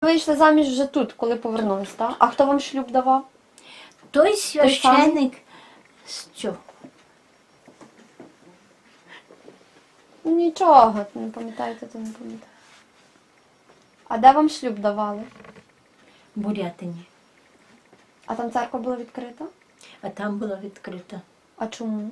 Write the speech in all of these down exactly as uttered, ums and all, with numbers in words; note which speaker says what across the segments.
Speaker 1: вийшли заміж вже тут, коли повернулись, так? А хто вам шлюб давав?
Speaker 2: Той священик, що?
Speaker 1: Нічого, не пам'ятаєте, то не пам'ятаєте. А де вам шлюб давали?
Speaker 2: В Бурятині.
Speaker 1: А там церква була відкрита?
Speaker 2: А там була відкрита.
Speaker 1: А чому?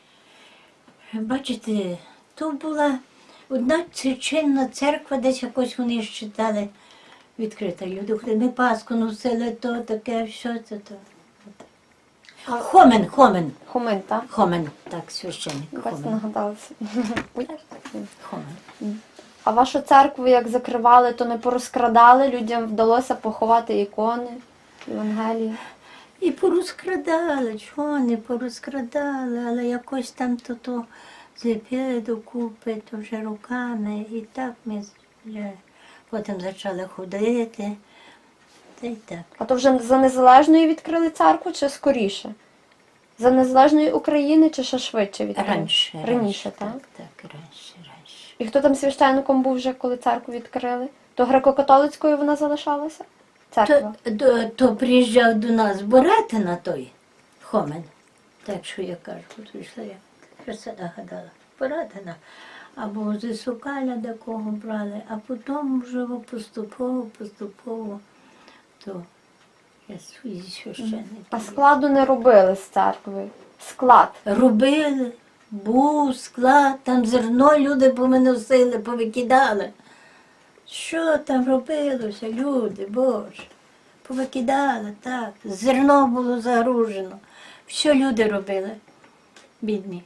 Speaker 2: Бачите, то була одна чинна церква, десь якось вони считали відкрита. Люди ходили, ми Пасху носили, то таке, що це то. Хомен, Хомен.
Speaker 1: Хомин, так?
Speaker 2: Хомен, так, священник.
Speaker 1: Бачите,
Speaker 2: Хомен.
Speaker 1: нагадалася.
Speaker 2: Хомен.
Speaker 1: А вашу церкву як закривали, то не порозкрадали? Людям вдалося поховати ікони, Євангелії?
Speaker 2: І порозкрадали, чого не порозкрадали, але якось там то, то зліпили докупи, то вже руками. І так ми вже потім почали ходити. Та й так.
Speaker 1: А то вже за незалежної відкрили церкву чи скоріше? За незалежної України чи ще швидше відкрили?
Speaker 2: Раніше.
Speaker 1: Раніше, так?
Speaker 2: Так, так, раніше, раніше.
Speaker 1: І хто там священником був вже, коли церкву відкрили? То греко-католицькою вона залишалася? Церква?
Speaker 2: То, то, то приїжджав до нас Боратина той, Хомен. Так що я кажу, прийшла я, що це нагадала. Боратина. Або з Сокаля до кого брали, а потім вже поступово, поступово, то я свої священники.
Speaker 1: А складу не робили з церкви? Склад?
Speaker 2: Робили, був склад, там зерно люди повиносили, повикидали. Що там робилося, люди, Боже? Повикидали, так. Зерно було загружено. Що люди робили, бідні.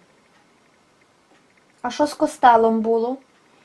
Speaker 1: А що з костелом було?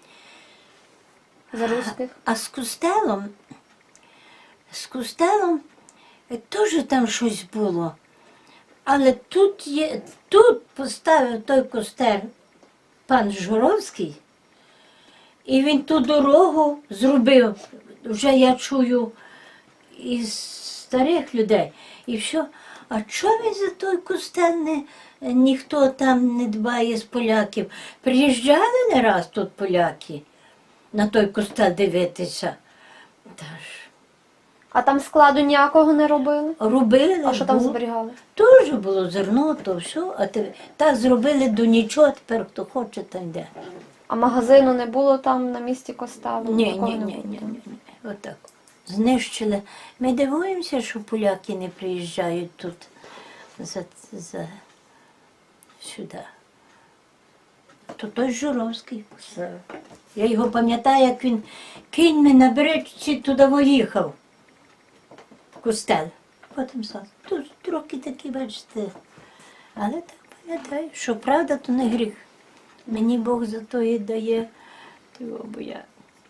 Speaker 1: За руських?
Speaker 2: А з костелом, з костелом е, теж там щось було. Але тут є, тут поставив той костел пан Журовський, і він ту дорогу зробив, вже я чую із старих людей. І що, а чому він за той костел не, ніхто там не дбає з поляків? Приїжджали не раз тут поляки на той костел дивитися. Та ж,
Speaker 1: А там складу ніякого не робили?
Speaker 2: робили.
Speaker 1: А що там
Speaker 2: було.
Speaker 1: зберігали?
Speaker 2: Теж було зерно, то все, а те- так зробили до нічого, тепер хто хоче, там йде.
Speaker 1: А магазину не було там на місці костелу?
Speaker 2: Ні,
Speaker 1: Такого
Speaker 2: ні,
Speaker 1: не
Speaker 2: ні,
Speaker 1: було,
Speaker 2: ні,
Speaker 1: так?
Speaker 2: ні, ні. Отак. Знищили. Ми дивуємося, що поляки не приїжджають тут за, за сюди. То той Журовський. Я його пам'ятаю, як він кіньми на бричці туди виїхав. В костел. Потім сам. Тут трохи такі, бачите. Але так пам'ятаю, що правда, то не гріх. Мені Бог за то і дає, того, бо я.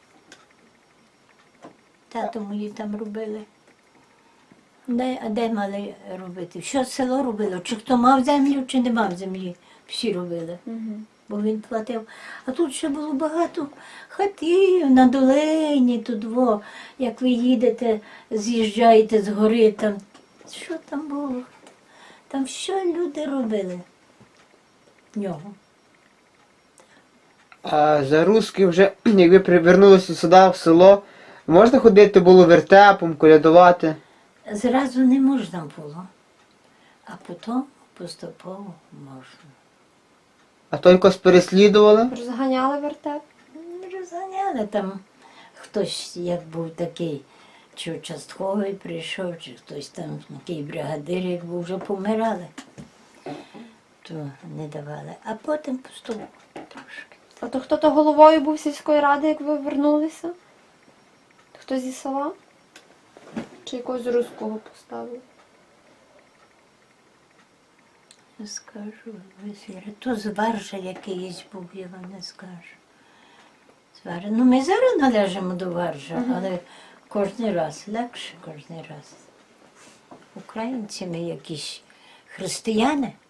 Speaker 2: Тато мої там робили. Де, а де мали робити? Що село робило? Чи хто мав землю, чи не мав землі? Всі робили.
Speaker 1: Мгм.
Speaker 2: Бо він платив. А тут ще було багато хатів на долині, тут во, як ви їдете, з'їжджаєте з гори, там. Що там було? Там що люди робили в нього?
Speaker 3: А за русські вже, як ви привернулися сюди, в село, можна ходити було вертепом, колядувати?
Speaker 2: Зразу не можна було, а потім поступово можна.
Speaker 3: А то якось переслідували?
Speaker 1: Розганяли вертеп?
Speaker 2: Розганяли там хтось, як був такий, чи участковий прийшов, чи хтось там, такий бригадир, як був, вже помирали, то не давали. А потім поступово трошки.
Speaker 1: А то хто то головою був сільської ради, як ви вернулися? Хто зі села? Чи якогось руського поставили?
Speaker 2: Не скажу, весілля. То з Варжа якийсь був, я вам не скажу. З Варжа. Ну, ми зараз належимо до Варжа,
Speaker 1: Мгм.
Speaker 2: але кожен раз, легше кожен раз. Українці ми якісь християни.